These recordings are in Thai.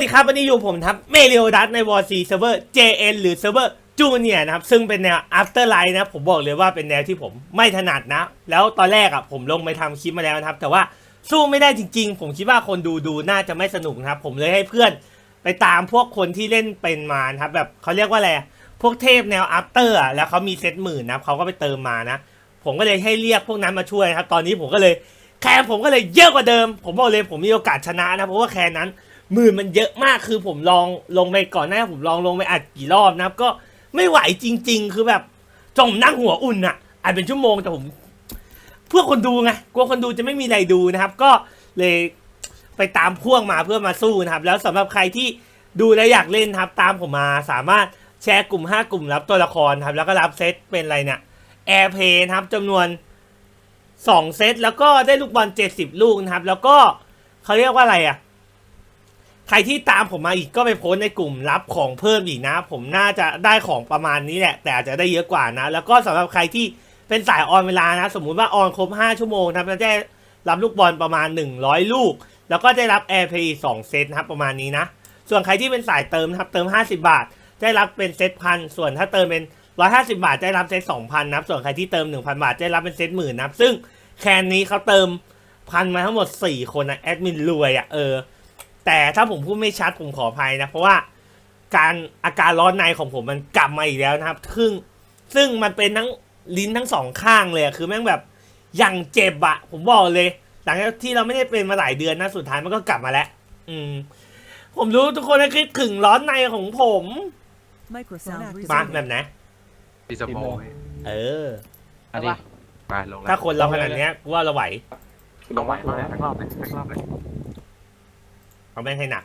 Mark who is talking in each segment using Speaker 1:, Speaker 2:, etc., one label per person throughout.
Speaker 1: ดีครับวันนี้อยู่ผมครับเมเรียดัสในวอร์ซีเซิร์ฟเวอร์ JN หรือเซิร์ฟเวอร์จูเนียนะครับซึ่งเป็นแนว After Life นะผมบอกเลยว่าเป็นแนวที่ผมไม่ถนัดนะแล้วตอนแรกผมลงไปทำคลิปมาแล้วนะครับแต่ว่าสู้ไม่ได้จริงๆผมคิดว่าคนดูน่าจะไม่สนุกนะครับผมเลยให้เพื่อนไปตามพวกคนที่เล่นเป็นมานะครับแบบเขาเรียกว่าอะไรพวกเทพแนว After แล้วเขามีเซตหมื่นนะเขาก็ไปเติมมานะผมก็เลยให้เรียกพวกนั้นมาช่วยครับตอนนี้ผมก็เลยแคนผมก็เลยเยอะกว่าเดิมผมบอกเลยผมมีโอกาสชนะนะเพราะว่าแคนนั้นหมื่นมันเยอะมากคือผมลองลงไปก่อนหน้าผมลงไปอัดกี่รอบนะครับก็ไม่ไหวจริงๆคือแบบจมนั่งหัวอุ่นอ่ะอัดเป็นชั่วโมงแต่ผมเพื่อคนดูไงกลัวคนดูจะไม่มีอะไรดูนะครับก็เลยไปตามพ่วงมาเพื่อมาสู้นะครับแล้วสำหรับใครที่ดูและอยากเล่นครับตามผมมาสามารถแชร์กลุ่ม5กลุ่มรับตัวละครครับแล้วก็รับเซตเป็นอะไรเนี่ยแอร์เพย์ครับจำนวน2เซตแล้วก็ได้ลูกบอล70ลูกนะครับแล้วก็เขาเรียกว่าอะไรใครที่ตามผมมาอีกก็ไปโพสในกลุ่มรับของเพิ่มอีกนะผมน่าจะได้ของประมาณนี้แหละแต่อาจจะได้เยอะกว่านะแล้วก็สำหรับใครที่เป็นสายออนเวลานะสมมุติว่าออนครบ5ชั่วโมงครับจะได้รับลูกบอลประมาณ100ลูกแล้วก็ได้รับแอร์เพย์2เซตนะครับประมาณนี้นะส่วนใครที่เป็นสายเติมครับเติม50บาทได้รับเป็นเซตพันส่วนถ้าเติมเป็น150บาทได้รับเซต2,000นะครับส่วนใครที่เติม 1,000 บาทได้รับเป็นเซตหมื่นนะครับซึ่งแคนนี้เขาเติมพันมาทั้งหมด4คนนะแอดมินรวยแต่ถ้าผมพูดไม่ชัดผมขออภัยนะเพราะว่าอาการร้อนในของผมมันกลับมาอีกแล้วนะครับซึ่งมันเป็นทั้งลิ้นทั้งสองข้างเลยคือแม่งแบบอย่างเจ็บผมบอกเลยหลังจากที่เราไม่ได้เป็นมาหลายเดือนนะสุดท้ายมันก็กลับมาแล้วผมรู้ทุกคนคิดถึงร้อนในของผมมาแบบไหน
Speaker 2: ดิสโม
Speaker 1: อันนี้
Speaker 2: ไปลงแล้ว
Speaker 1: ถ้าคนเราขนาดนี้กูว่าเราไหว
Speaker 2: ลงไหวมาแล้วทั้งรอบเลย
Speaker 1: เอาแม่งให้หนัก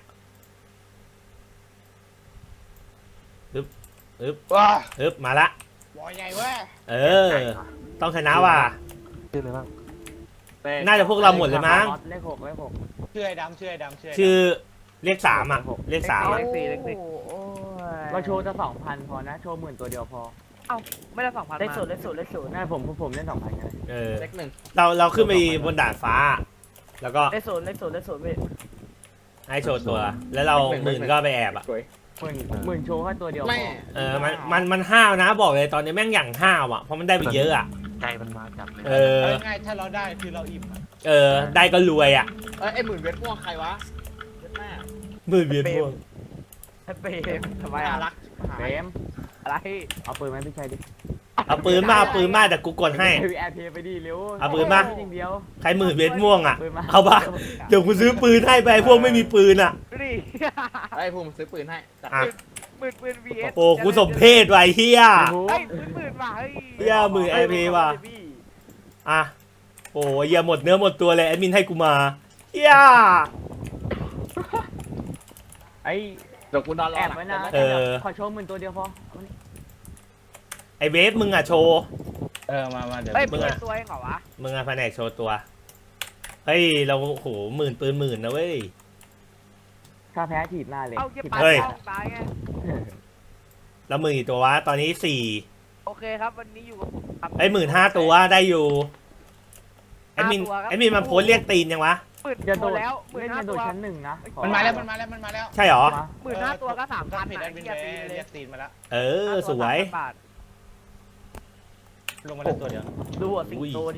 Speaker 1: อึบมาละ
Speaker 3: บอยใหญ่เว้ย
Speaker 1: ต้องชนะว่ะ
Speaker 2: ชื่ออะไรบ้าง
Speaker 1: น่าจะพวกเราหมดเลยมั้ง
Speaker 3: เลข6ชื่อไอ้ดำ
Speaker 1: ชื่อเลข3เลข3
Speaker 3: เลข4
Speaker 4: เราโชว์จะ2,000พอนะโชว์10,000ตัวเดียวพอ
Speaker 3: ไม่ได้2,000
Speaker 4: เลขศูนย์น่าผมเล่น2,000กัน
Speaker 3: เลข1
Speaker 1: เราขึ้นไปบนดาดฟ้าแล้วก็
Speaker 4: เลขศูนย์พี่
Speaker 1: ให้โชว์ตัวแล้วเราหมื่นก็ไปแอบ
Speaker 4: หมื่นโชว์แค่ตัวเดียวพ
Speaker 1: อมันห้าวนะบอกเลยตอนนี้แม่งอย่างห้าวเพราะมันได้ไปเยอะ
Speaker 2: ใจมันมาจับเลย
Speaker 3: ง่ายถ้าเราได้คือเราอิ่ม
Speaker 1: ได้ก็รวย
Speaker 3: ไอ้หมื่นเวทม่วงใครวะเวทแม่
Speaker 1: หมื่นเวียนม่วง
Speaker 4: เปมทำไม
Speaker 3: รัก
Speaker 4: เปมอะไรเอาปืนไหมพี่ชัยดิ
Speaker 1: เอาปืนมาแต่กูกดให้
Speaker 4: แอร์เพย์ไปดิเร็ว
Speaker 1: เอาปืนมาใครหมื่นเวียนม่วงเอาปะเดี๋ยวกูซื้อปืนให้ไปพวกไม่มีปืน
Speaker 3: ไอ้ผมซื้อปืนให้
Speaker 4: ปืน VS
Speaker 1: โอ้กูสมเพศไว้เฮีย
Speaker 4: ปืนว่ะ
Speaker 1: เฮียหมื่นแอร์เพย์ว่ะโอ้ยอย่าหมดเนื้อหมดตัวเลยแอดมินให้กูมาเฮีย
Speaker 3: เดี๋ยวกูนอนรอ
Speaker 4: แอบไว้นะขอโชว์10,000ตัวเดียวพอ
Speaker 1: ไอเวฟมึงโชว์
Speaker 3: มาเดี๋ยว
Speaker 4: มึงตัวเองเหรอวะ
Speaker 1: มึงแผนกโชว์ตัวเฮ้ยเราโหหมื่นปืนหมื่นนะเว้ย
Speaker 4: ถ้าแพ้ถีบหน้าเลย
Speaker 1: เฮ้ยแล้วหมื่นกี่ตัววะตอนนี้4
Speaker 4: โอเคครับวันนี้อยู่
Speaker 1: ไอ้15,000ตัวได้อยู่แอดมินมาโพสเรียกตีนยังวะ
Speaker 4: จะโดดแล้ว15,000ตัวชั้น1นะ
Speaker 3: มันมาแล้ว
Speaker 1: ใช่หรอ
Speaker 4: 15,000ตัวก็3,000
Speaker 3: เรียกตีนมาแล้ว
Speaker 1: สวย
Speaker 3: ลงมาแล้วตัวเดียว
Speaker 4: ดูสิงโตดิ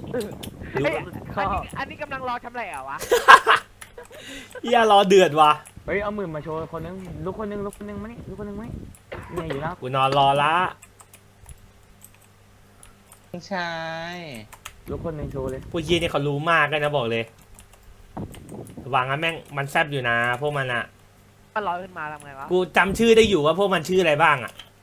Speaker 4: อันนี้กำลังรอทำไรวะ
Speaker 1: อย่ารอเดือดว่ะ
Speaker 4: เฮ้ยเอา10,000มาโชว์คนนึงลุกคนนึงมานี่ลุกคนนึงมานี่อยู่นะ
Speaker 1: กูนอนรอละ
Speaker 3: ใช่
Speaker 4: ลุกคนนึงโชว์เลย
Speaker 1: พวกยีนี่เขารู้มากกันนะบอกเลยวางงั้นแม่งมันแซบอยู่นะพวกมัน
Speaker 4: ก็ลอยขึ้นมาทำไงวะ
Speaker 1: กูจำชื่อได้อยู่ว่าพวกมันชื่ออะไรบ้าง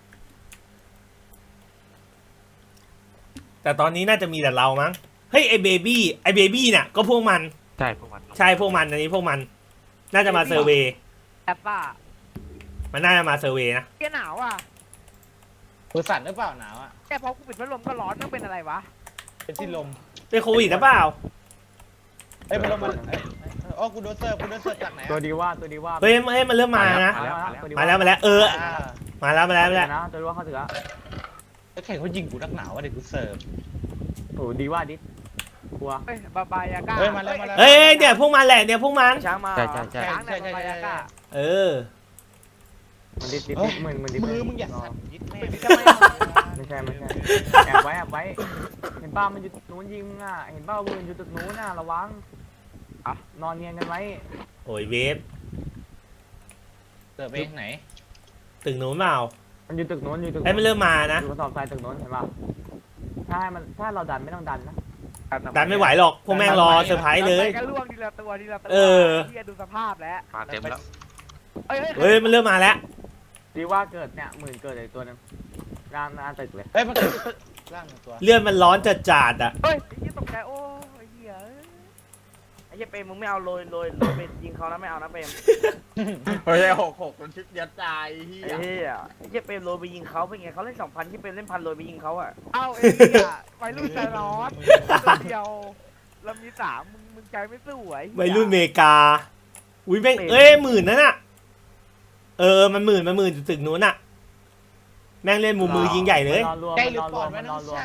Speaker 1: แต่ตอนนี้น่าจะมีแต่เรามั้งเฮ้ยไอเบบี้เนี่ยก็พวกมัน
Speaker 2: ใช่พวกมัน
Speaker 1: อันนี้พวกมันน่าจะมาเซอร์เวย์
Speaker 4: แอปป้า
Speaker 1: มันน่าจะมาเซอร์เวย์นะ
Speaker 4: แกหนาว
Speaker 3: มือสั่นหรือเปล่าหนาว
Speaker 4: แกพอกูปิดพัดลมก็ร้อนต้องเป็นอะไรวะ
Speaker 3: เป็นที่ลม
Speaker 1: เป็นโควิดหรือเปล่า
Speaker 3: พัดลมมันกูโดนเสิร์ฟจากไหน
Speaker 4: ตัวดีว่า
Speaker 1: เฮ้ยมันเริ่มมานะมาแล้วมาแล้ว
Speaker 4: นะตัวดีว่าเขาถือ
Speaker 3: แล้วแข่งเขายิงกูนักหนาวว่าเด็กกูเสิร์ฟ
Speaker 4: โอ้ดีว่าดิกลัว
Speaker 5: เฮ้ยบาบายาก้า
Speaker 3: เฮ้ยมาแล้วมาแล้ว
Speaker 1: เฮ้ยเนี่ยพวกมันแหละเนี่ยพวกมัน
Speaker 5: ช้างมา
Speaker 2: ใช่ใช่ใช่
Speaker 5: ช้างเนี่ยบาบายาก้า
Speaker 1: เออ
Speaker 4: มันดิดเหมือนดิ
Speaker 3: มือมึงอย่าสั่นยิดแม่
Speaker 5: จะไม่
Speaker 4: ไม่ใช่แอบไว้เห็นป้ามันอยู่ตึกนู้นยิงมึงอ่ะเห็นป้าปืนอยู่ตึกนู้นน่ะระวังนอนเนียนกันไว้
Speaker 1: โอ้ยเวฟ
Speaker 3: เกิดไปไหน
Speaker 1: ตึกหนูเปล่า
Speaker 4: มันอยู่ตึกนู้นอยู่ตึก
Speaker 1: ไอ้ยมันเริ่มมานะ
Speaker 4: อยู่กระสอบทรายตึกนู้นเห็นป่ะถ้าเราดันไม่ต้องดันนะ
Speaker 1: ดันไม่ไหวหรอกพวกแม่งรอเซอร์ไพรส์เลย
Speaker 5: ก็ล่วงทีละตัวทีละตัว
Speaker 1: เออ
Speaker 5: ที่ดูสภาพแล้ว
Speaker 2: มาเต็มแล้ว
Speaker 1: เฮ้ยมันเริ่มมาแล้ว
Speaker 4: ดีว่าเกิดเนี่ยหมื่นเกิดอีกตัวนึงร่างตึกเลย
Speaker 3: เฮ้ยมันร่างตัว
Speaker 1: เลื่อนมันร้อนจัดจัดๆอ่ะ
Speaker 5: เฮ้ยไอ้เหี้ยตกใจโอ้ไอ้เหี้ยไอ้เหี้ยเปรมมึงไม่เอาโรยไปยิงเขานะไม่เอานะเปรม
Speaker 3: เฮ้ย6มันชิดยัดใจเฮี
Speaker 5: ไอ้เหี้ยไอ้เหี้ยเปรมโรยไปยิงเขาเป็นไงเขาเล่น2,000ที่เปรมเล่น1,000โรยไปยิงเขาอ่ะเอาไอ้เหี้ยวัยรุ่นใจร้อนตัวเดียวเรามี3มึงใจไม่สู้ไอ้เหี้ย
Speaker 1: วัยรุ่นเมกาอุ้ยแม่งเอ้ยหมื่นนั่นน่ะมันหมื่นอยู่ตึกนู้นน่ะแม่งเล่นมุมมือยิงใหญ่เลย
Speaker 4: นอนรวม
Speaker 3: ใกล้หรือ
Speaker 4: นอน
Speaker 3: ป
Speaker 4: ร
Speaker 3: อ
Speaker 4: ว
Speaker 3: ด
Speaker 4: ม
Speaker 3: วะ
Speaker 4: น
Speaker 3: น้
Speaker 4: อ
Speaker 3: อน ง
Speaker 4: รวม
Speaker 3: ชาย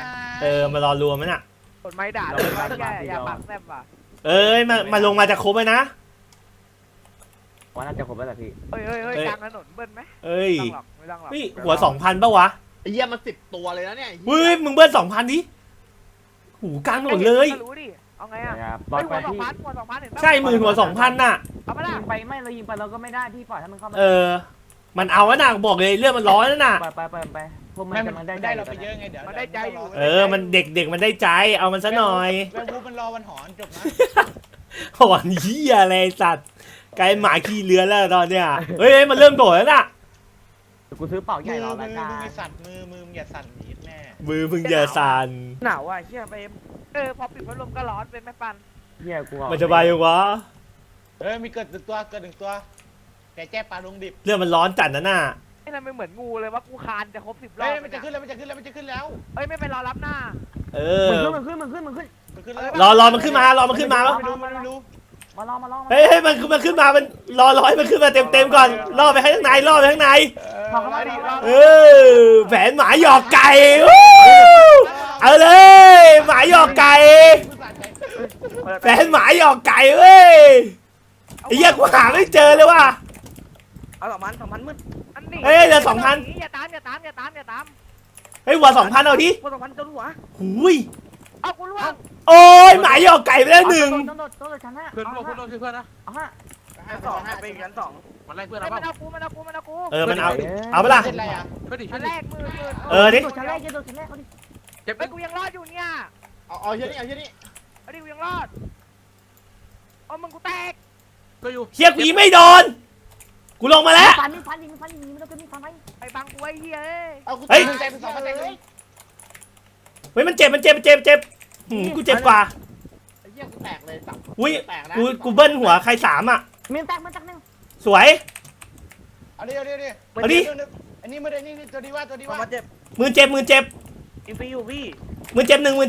Speaker 1: มารอรวมมันน่ะ
Speaker 5: กดไม้ด่าเลยอย่าปากแซ่บว่ะ
Speaker 1: เอ้ยมาลงมาจะครบเลยนะ
Speaker 4: ว่าน่าจะครบแล้วแหละพี่
Speaker 5: เฮ้ยกลางถนนเบิ้ลไหม
Speaker 1: เอ้ย
Speaker 5: ไม่ต้องหรอก
Speaker 1: นี่หัว2,000ปะวะ
Speaker 6: ไอ้เหี้ยมัน10 ตัวเลยนะเนี่ย
Speaker 1: เฮ้ยมึงเบิ้ล2,000ดิหูกลางถนนเลย
Speaker 5: รู้ดิเอาไงอ่ะ
Speaker 4: นะครับบ
Speaker 5: เฮ้
Speaker 4: อย ล
Speaker 5: หั
Speaker 4: ไป
Speaker 5: ว
Speaker 4: ที่
Speaker 5: 2,000เห็นปะ
Speaker 1: ใช่หมื่นหัว2,000น่ะ
Speaker 5: เอามาละ
Speaker 4: ยิงไปไม่เรายิงไปเราก็ไม่ได้พี่ปล่อยให้มันเข้ามา
Speaker 1: มันเอาวะน่ะบอกเลยเรื่องมันร้อนแล้วน่ะ
Speaker 4: ไปพวกมัน
Speaker 3: ไม่
Speaker 4: จะมันได้
Speaker 3: ได้เราไปเยอะไงเดี๋ยว
Speaker 5: มันได้ใจอยู่
Speaker 1: มันเด็กมันได้ใจเอามันซะหน่อย
Speaker 3: แววูมันรอวันหอนจบนะ
Speaker 1: หอนเหี้ยอะไรสัตว์กลายหมาขี้เลือนแล้วตอนเนี้ยเฮ้ยมันเริ่มโดดแล้วน่ะ
Speaker 4: กูซื้อเป่าใหญ่
Speaker 3: มือ
Speaker 4: รอ
Speaker 3: มื
Speaker 4: ราย
Speaker 3: อ
Speaker 4: การ
Speaker 3: มึงอย่าสั่นมือมึงอย่าสั่นยิดแม่
Speaker 1: มือมึงอย่าสั่น
Speaker 5: หนาวอ่ะเชี่ยไปพอปิดพัดลมก็ร้อนเป็นแม่ปัน
Speaker 4: เฮียกู
Speaker 1: มันจะไปยังวะ
Speaker 3: เฮ้ยมีเกิด1 ตัวเกิด1 ตัวแกแจ้ปลาลงดิบ
Speaker 1: เรื่องมันร้อนจัดนะน่ะ
Speaker 5: ไอ้นั่นไม่เหมือนงูเลยว่ากูคานจะครบ10 รอ
Speaker 3: เฮ้
Speaker 5: บ
Speaker 3: ยมันจะขึ้นแล้วมันจะขึ้นแล้ว
Speaker 5: เฮ้ยไม่ไปรอรับหน้า
Speaker 4: มันขึ้น
Speaker 3: มันขึ้นแล้ว
Speaker 1: รอมันขึ้นมารอมันขึ้นมา
Speaker 3: ไม่รู้
Speaker 4: มาลอง
Speaker 1: เฮ้ยมันขึ้นมามันรอให้มันขึ้นมาเต็มก่อนล่อไปข้างในล่อไปข้างใน เออแผนหมาหยอกไก่วู้เอาเลยหมาหยอกไก่แผนหมาหยอกไก่เว้ยไอ้เหี้ยกูหาไม่เจอเลยว่ะ
Speaker 5: เอา2,000มืดอันนี้
Speaker 1: เฮ้ยเหลือ2,000
Speaker 5: อย่าตาม
Speaker 1: เฮ้ยหัว2,000เอาดิ
Speaker 5: พวก2,000จนหัว
Speaker 1: หูย
Speaker 5: เอากูล่วง
Speaker 1: โอ้ยหมาหยอกไก่ไปแล้วหนึ่ง
Speaker 4: ต้องโดดชั้นห้า
Speaker 2: เพื่อนร่วมเพื่อนร่วมคือเพื่อนนะ
Speaker 4: เอาฮะ
Speaker 5: ชั้น2ให้ไปชั้น2
Speaker 2: มันไล่เพื่อน
Speaker 5: มั
Speaker 2: เรา
Speaker 5: น
Speaker 2: เปล่า
Speaker 5: เอากูมันเอากู
Speaker 1: มันเอาไปละ
Speaker 3: เป็นไรอ่ะ
Speaker 2: เพื่อนดิ
Speaker 5: ชั้
Speaker 2: เพื่อน น
Speaker 5: แร
Speaker 2: ดิ
Speaker 5: กมือ
Speaker 1: ดิ
Speaker 4: โดดชั้นแรกเขาดิ
Speaker 2: เจ็บ
Speaker 5: ไอ้กูยังรอดอยู่เนี่ย
Speaker 6: เอาเหี้ยนี่
Speaker 5: ไอ้ดิกูยังรอดเอามึงกูแตก
Speaker 2: ก็อยู่
Speaker 1: เฮียกูยิงไม่โดนกูลงมาแล้ว
Speaker 4: ฟันยิงมันต้องเป็นฟันไป
Speaker 5: ไอ้บังกูไอ้เหี้ย
Speaker 3: เอากู
Speaker 1: เฮ้ย
Speaker 3: ใจเป็น2มาแตกเลย
Speaker 1: เฮ้ยมันเจ็บกูเจ็บกว่า
Speaker 6: ไอ้เหี้ยกูแตกเลยสับ
Speaker 1: อุ้ย
Speaker 6: แตกนะ
Speaker 1: กูเบิ้ลหัวใคร3อ่ะ
Speaker 4: มันแตกนึง
Speaker 1: สวย
Speaker 3: เอาดิ
Speaker 1: เอาดิ
Speaker 3: อันนี้มาเลยนี่ตัวดีว่า
Speaker 5: มาเจ็บ
Speaker 1: มือเจ็บ
Speaker 5: อินฟิวพี่
Speaker 1: มือเจ็บหนึ่ง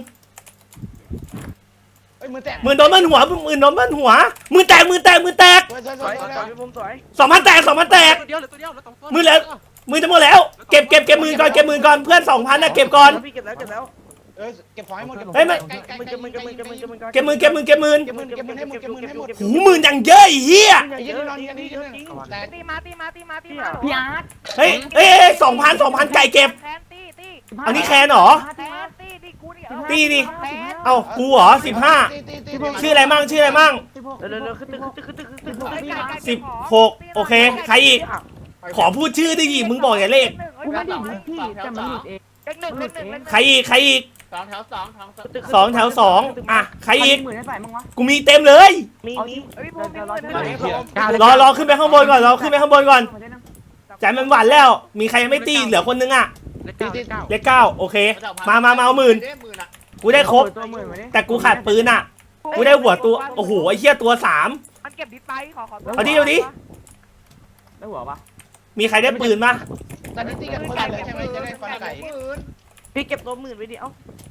Speaker 3: เฮ้ยมือแตก
Speaker 1: มือโดนมันหัวมือโดนมันหัวมือแตก
Speaker 3: สวย
Speaker 5: สวยพี่ผมสวย
Speaker 1: 2,000 แตก
Speaker 2: ตัวเดียวเหลือตัวเดียวเหลือ2 ตัว
Speaker 1: มือจะหมดแล้วเก็บมือก่อนเพื่อน 2,000น่ะเก็บก่อน
Speaker 5: พี่เก็บแล้ว
Speaker 3: เก็บของให้หมด
Speaker 1: เฮ้ยมัน
Speaker 5: มึงเก็บมือ
Speaker 1: เก็บมือ
Speaker 3: เก็บมือให้หมด
Speaker 1: หูมืออย่างเยอะไอ้เหี้ย
Speaker 3: ไอ้ยี่นี่นอนกันนี่แตก
Speaker 5: ตีมา
Speaker 4: พี่อาร์ต
Speaker 1: เฮ้ย2,000ไก่เก็บ
Speaker 5: แคนตี
Speaker 1: อันนี้แคนเหรอ
Speaker 5: แคนตีกูนี่
Speaker 1: ตีดิ
Speaker 5: แคน
Speaker 1: เอ้ากูเหรอ15ชื่ออะไรมั่ง
Speaker 5: เร็วขึ้นตึก
Speaker 1: 16โอเคใครอีกขอพูดชื่อได้ดิมึงบอกอย่าเลข
Speaker 4: กูไม่ได้พี่แต่มันหลุดเอง
Speaker 5: เลขหนึ่ง
Speaker 1: ใครอีก
Speaker 6: 2 แถว
Speaker 1: 2 แถว 2อ่ะใครอีก
Speaker 4: หมื่นให้ใส่มั้งวะ
Speaker 1: กูมีเต็มเลย
Speaker 5: มีพี่ภูมิ
Speaker 1: รอขึ้นไปข้างบนก่อนใจมันหวานแล้ว มีใครยังไม่ตีเหลือคนนึงอ่ะ
Speaker 2: เลข 9
Speaker 1: เลข9โอเคมาเอาหมื่น
Speaker 6: อ่ะ
Speaker 1: กูได้ครบ
Speaker 4: ตัวหมื่นมาดิ
Speaker 1: แต่กูขาดปืนอ่ะกูได้หัวตัวโอ้โหไอ้เหี้ยตัว3
Speaker 5: มันเก็บดิสไปขอ
Speaker 1: เอาดิ
Speaker 4: ได้หัวปะ
Speaker 1: มีใครได้ปืนปะ
Speaker 3: ตอนนี้ตีกันคนละเลยใช่ไหมจะได้ฟันไก่
Speaker 5: พี่เก็บตัว10,000ไว้ดิเอ้า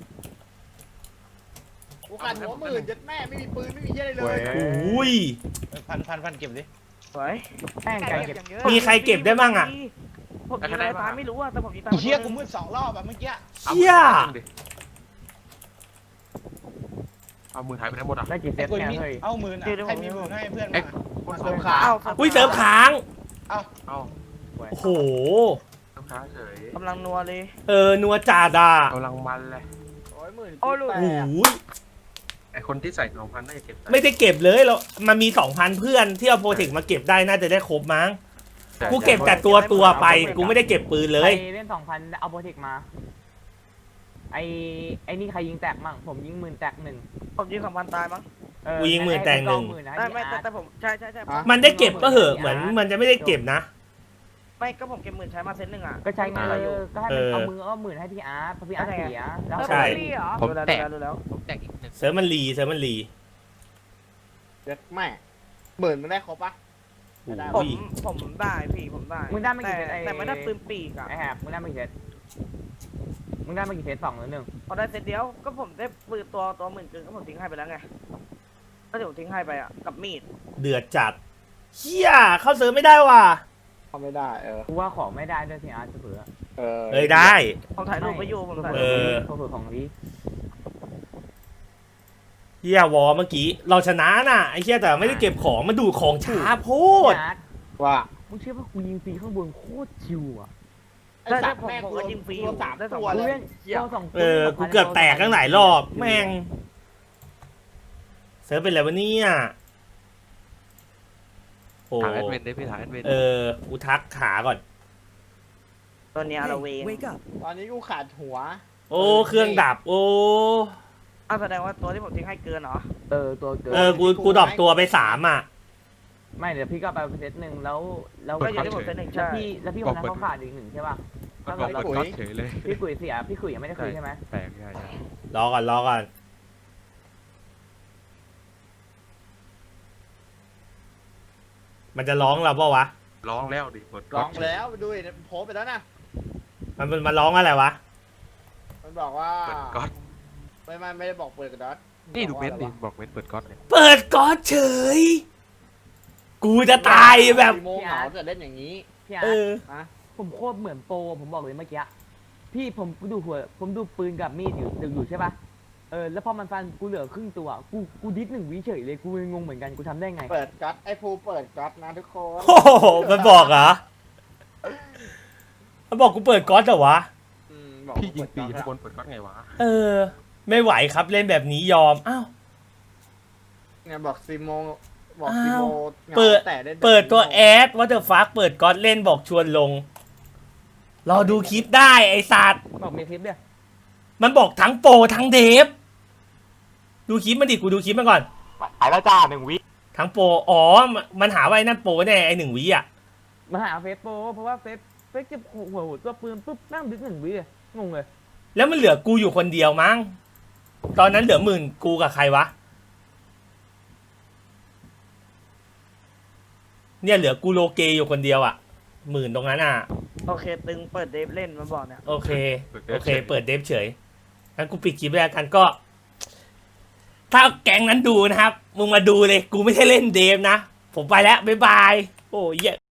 Speaker 6: กูขาดหัวหมื่นยัดแม่ไม่มีปืนไม่มีเหี้ยอะไรเลย
Speaker 1: อุ้ย
Speaker 3: พันเก็บดิ
Speaker 5: สวย
Speaker 4: แป้งไก่เก็บ
Speaker 1: มีใครเก็บได้บ้างอ่ะ
Speaker 5: ผมยิงอะไรตายไม่รู้อ่ะแต่ผมยิงตาย
Speaker 3: เชี่ยกูมืด2 รอบแบบเมื่อกี้
Speaker 1: เชี่ย
Speaker 7: เอามือหายไปไหนหมดอ่ะ
Speaker 4: ได้กี่เซ
Speaker 3: ไอ้
Speaker 4: ต
Speaker 3: กู
Speaker 4: เนี่ย
Speaker 3: มี
Speaker 4: เฮ้ย
Speaker 3: เอาหมื่นอ่ะใครมีหมื่นให้เพื่อนมา
Speaker 6: เสิร์ฟขา
Speaker 5: เอ้า
Speaker 1: อุ้ยเสริมค้าง
Speaker 3: เอา
Speaker 7: เอา
Speaker 1: โอ้โห
Speaker 7: ลูกค้าเฉย
Speaker 5: กำลังนัวเลย
Speaker 1: นัวจ่าด่าก
Speaker 7: ำลังมันเลย
Speaker 6: โอ้ยหมื่น
Speaker 5: โอ้ลูก
Speaker 6: แต
Speaker 1: โอ้
Speaker 6: ก
Speaker 1: โห
Speaker 7: ไอคนที่ใส่2,000น่าจะเก็บ
Speaker 1: ไม่ได้เก็บเลยเรามันมี 2,000 เพื่อนที่เอาโปรเทคมาเก็บได้น่าจะได้ครบมั้ง กูเก็บแต่ตัวไป กูไม่ได้เก็บปืนเลย
Speaker 4: ใครเล่น2,000เอาโปรเทคมาไอ้นี่ใครยิงแตกมั่งผมยิงหมื่นแตกหนึ่ง
Speaker 5: ผมยิง2,000ตายมั้ง
Speaker 1: กูยิงหมื่นแตกหนึ่ง
Speaker 5: ไม่แต่ผมใช่
Speaker 1: มันได้เก็บก็เหอะเหมือนมันจะไม่ได้เก็บนะ
Speaker 5: ไม่ก็ผมเก็บหมื่นใช้มาเซตหนึ่งอ่ะ
Speaker 4: ก็ใช้เงิน
Speaker 5: อะไรอยู่
Speaker 4: ก็ให้มันเอามือเอาหมื่นให้พี่อาร์ตเพราะพี่อาร์ตเสียแล้ว
Speaker 1: ใช่
Speaker 5: ผมแตกรู้แล้ว
Speaker 7: ผมแตกอีกหนึ่ง
Speaker 1: เซิร์ฟมันรีเซิร์ฟมันรี
Speaker 6: เจ็ดแม่หมื่นมันได้ครบปะ
Speaker 1: โอ้
Speaker 5: ผม
Speaker 1: ย
Speaker 5: ผมได้พี่ผมได้
Speaker 4: มึงได้ไม่กี่เซต
Speaker 5: แต่ไม่ได้ปืนปีกอ่ะ
Speaker 4: ไอ้แหบมึงได้ไม่กี่เซตมึงได้ไม่กี่เซต2หรือ1
Speaker 5: พอได้เซตเดียวก็ผมได้ปืนตัวหมื่นเกินก็ผมทิ้งให้ไปแล้วไงก็เดี๋ยวผมทิ้งให้ไปอ่ะกับมีด
Speaker 1: เดือดจัดเฮียเข้าเซิร์ฟไม่ได้ว่ะ
Speaker 6: ทำไม่ได้
Speaker 4: กูว่าของไม่ได้ด้วยพี่อาร์ตเผื่อ
Speaker 1: เอ้ยได้
Speaker 5: ผมถ่ายรูปไปอยู่ผมถ่าย
Speaker 1: เอ
Speaker 5: รูป
Speaker 1: อ
Speaker 4: เผื่อของนี้
Speaker 1: เฮียวอเมื่อกี้เราชนะน่ะไอ้เฮียแต่ไม่ได้เก็บของมาดูของช้าโพด
Speaker 4: พี่อาร์ต
Speaker 6: ว่า
Speaker 4: มึงเชื่อว่ากูยิงฟรีข้างบนโคตรชิวอ่ะ
Speaker 6: ไอ้สัตว์แม่กูยิงฟรีสามตัว
Speaker 4: กู
Speaker 6: เลย
Speaker 4: เล่นตัวสอง
Speaker 1: กูเกือบแตกตั้งหลายรอบแม่งเซิร์ฟเป็นอะไรวะเนี่ยโอ้
Speaker 7: ถามแอดเวนได้พี่ถามแอดเวน
Speaker 1: กูทักขาก่อน
Speaker 5: ตัวเนี้ยเราเวง
Speaker 6: ตอนนี้กูขาดหัว
Speaker 1: โอ้เครื่องดับโอ้
Speaker 5: อ้าวแสดงว่าตัวที่ผมทิ้งให้เกินเหรอ
Speaker 4: ตัวเกิน
Speaker 1: กูดรอปตัวไป3อ่ะ
Speaker 4: ไม่เดี๋ยวพี่ก็ไปเซตหนึ่งแล้ว
Speaker 5: ก็อยู่ที่ผมเซตหนึ่ง
Speaker 4: แล้ว
Speaker 5: ใช่
Speaker 4: พี่คนนั้นเขาขาดอีกหนึ่งใช่ป่ะ
Speaker 7: มันบอกเปิดก๊อตเฉยเลย
Speaker 4: พี่กุยเสียพี่กุยยังไม่ได้คุยใช่ไหม
Speaker 7: แปลกใช่
Speaker 1: รอก่อนมันจะร้องเราเปล่าวะ
Speaker 7: ร้องแล้วดิเปิด
Speaker 6: ร้
Speaker 7: ก๊อ
Speaker 6: อ
Speaker 7: ต
Speaker 6: งไปแล้วดูดิโพสไปแล้วนะ
Speaker 1: มันร้องอะไรวะ
Speaker 6: มันบอกว่า
Speaker 7: เปิดก๊อต
Speaker 6: ไม่ได้บอกเปิดกระดอท
Speaker 7: นี่ดูเม้นดิบอกเม้นเปิดก๊อตเนี่ย
Speaker 1: เปิดก๊อตเฉย กูจะตายแบบ
Speaker 6: โมงเหงาจะเล่นอย่างนี้
Speaker 4: พี่อาร์ตผมโคตรเหมือนโปรผมบอกเลยเมื่อกี้พี่ผมดูปืนกับมีดอยู่ใช่ป่ะแล้วพอมันฟันกูเหลือครึ่งตัวกูดิส1 วิเฉยเลยกูงงเหมือนกันกูทำได้ไง
Speaker 6: เปิดก๊อตไอ้ภูเปิดก๊อตนะทุกคน
Speaker 1: โอ้โหมันบอกเหรอมันบอกกูเปิดก๊อตเหรอวะ
Speaker 6: บอก
Speaker 7: พี่ยิงปีข้างบนเปิดก๊อตไงวะ
Speaker 1: ไม่ไหวครับเล่นแบบนี้ยอม อ้าว
Speaker 6: เนี่ยบอกซีโมบอกซีโม
Speaker 1: เปิด
Speaker 6: แต่เล่น
Speaker 1: เปิดตัวแอดว่าเดอะฟักเปิดก๊อตเล่นบอกชวนลง รอดูคลิปได้ไอ้สัตว์
Speaker 4: บอกมีคลิปเนี่ย
Speaker 1: มันบอกทั้งโปรทั้งเดฟ ดูคลิปมันดิกูดูคลิปมันก่อน
Speaker 4: หายแล้วจ้า1 วิ
Speaker 1: ทั้งโปร อ๋อ มันหาว่าไอ้นั่นโปรแน่ไอ้1 วิอ่ะ
Speaker 4: มาหาเฟซโปรเพราะว่าเฟซเก็บหัวตัวปืนปุ๊บนั่งดิส1 วิเลยงงเลย
Speaker 1: แล้วมันเหลือกูอยู่คนเดียวมั้ง ตอนนั้นเหลือ10,000กูกับใครวะ เนี่ยเหลือกูโลเกอยู่คนเดียวอ่ะ10,000ตรงนั้นอ่ะ
Speaker 5: โอเคตึงเปิดเดฟเล่นมาบอกเนี่ย
Speaker 1: โอเค เปิดเดฟเฉยงั้นกูปิดคลิปแล้วกันก็ ถ้าแก๊งนั้นดูนะครับ มึงมาดูเลย กูไม่ใช่เล่นเดฟนะ ผมไปแล้ว บ๊ายบาย โอ้ย